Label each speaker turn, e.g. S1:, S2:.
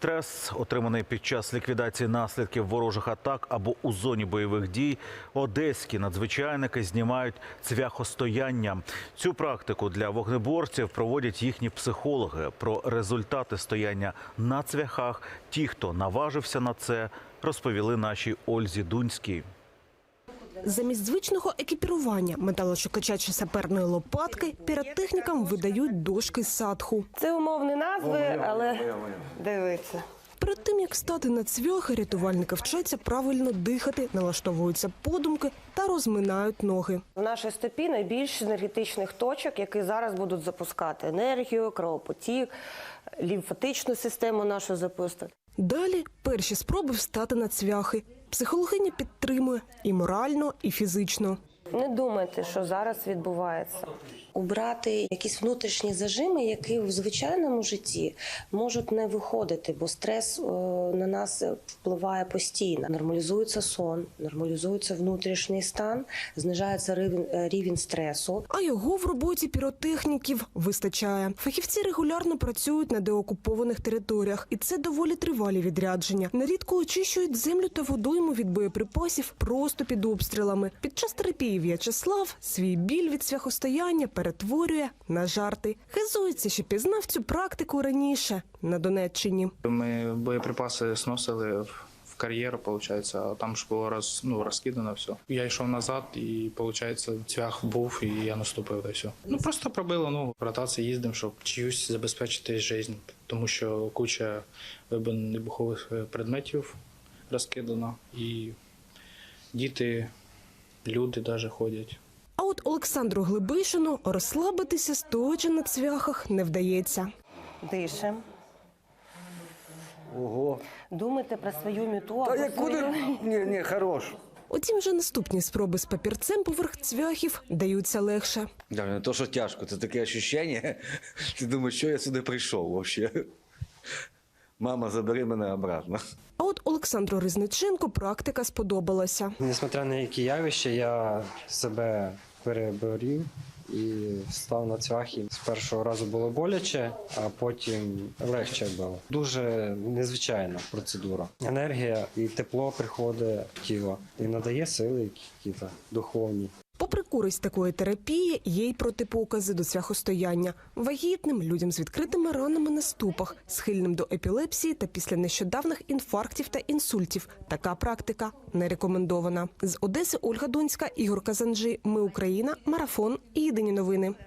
S1: Стрес, отриманий під час ліквідації наслідків ворожих атак або у зоні бойових дій, одеські надзвичайники знімають цвяхостояння. Цю практику для вогнеборців проводять їхні психологи. Про результати стояння на цвяхах, ті, хто наважився на це, розповіли нашій Ользі Дунській.
S2: Замість звичного екіпірування металошукача чи саперної лопатки піротехнікам видають дошки садху.
S3: Це умовні назви, але дивіться.
S2: Перед тим, як стати на цвяхи, рятувальники вчаться правильно дихати, налаштовуються подумки та розминають ноги.
S3: В нашій стопі найбільше енергетичних точок, які зараз будуть запускати енергію, кровопотік, лімфатичну систему нашу запустити.
S2: Далі перші спроби встати на цвяхи. Психологиня підтримує і морально, і фізично.
S3: Не думайте, що зараз відбувається.
S4: Убрати якісь внутрішні зажими, які в звичайному житті можуть не виходити, бо стрес на нас впливає постійно. Нормалізується сон, нормалізується внутрішній стан, знижається рівень стресу.
S2: А його в роботі піротехніків вистачає. Фахівці регулярно працюють на деокупованих територіях, і це доволі тривалі відрядження. Нерідко очищують землю та водойму від боєприпасів просто під обстрілами. Під час терапії В'ячеслав свій біль від цвяхостояння перетворює на жарти. Хизується, що пізнав цю практику раніше на Донеччині.
S5: Ми боєприпаси сносили в кар'єр, виходить, а там ж було розкидано все. Я йшов назад і, виходить, цвях був і я наступив і все. Просто пробило ногу. В ротації їздимо, щоб чиюсь забезпечити життя, тому що куча вибухових предметів розкидано і діти, люди навіть ходять.
S2: А от Олександру Глибишину розслабитися стоячи на цвяхах не вдається.
S3: Дишемо.
S6: Ого.
S3: Думайте про свою мету.
S6: Та як куди? Ні, хорош.
S2: Утім, вже наступні спроби з папірцем поверх цвяхів даються легше.
S6: Да, не то, що тяжко, це таке відчуття. Ти думаєш, що я сюди прийшов взагалі? Мама, забери мене обратно.
S2: А от Олександру Ризниченку практика сподобалася.
S7: Несмотря на які явища, я себе переборів і став на цвяхи. З першого разу було боляче, а потім легше було. Дуже незвичайна процедура. Енергія і тепло приходить в тіло і надає сили якісь духовні.
S2: Попри користь такої терапії, є й протипокази до цвяхостояння. Вагітним, людям з відкритими ранами на ступах, схильним до епілепсії та після нещодавних інфарктів та інсультів. Така практика не рекомендована. З Одеси Ольга Дунська, Ігор Казанжи. Ми Україна. Марафон. Єдині новини.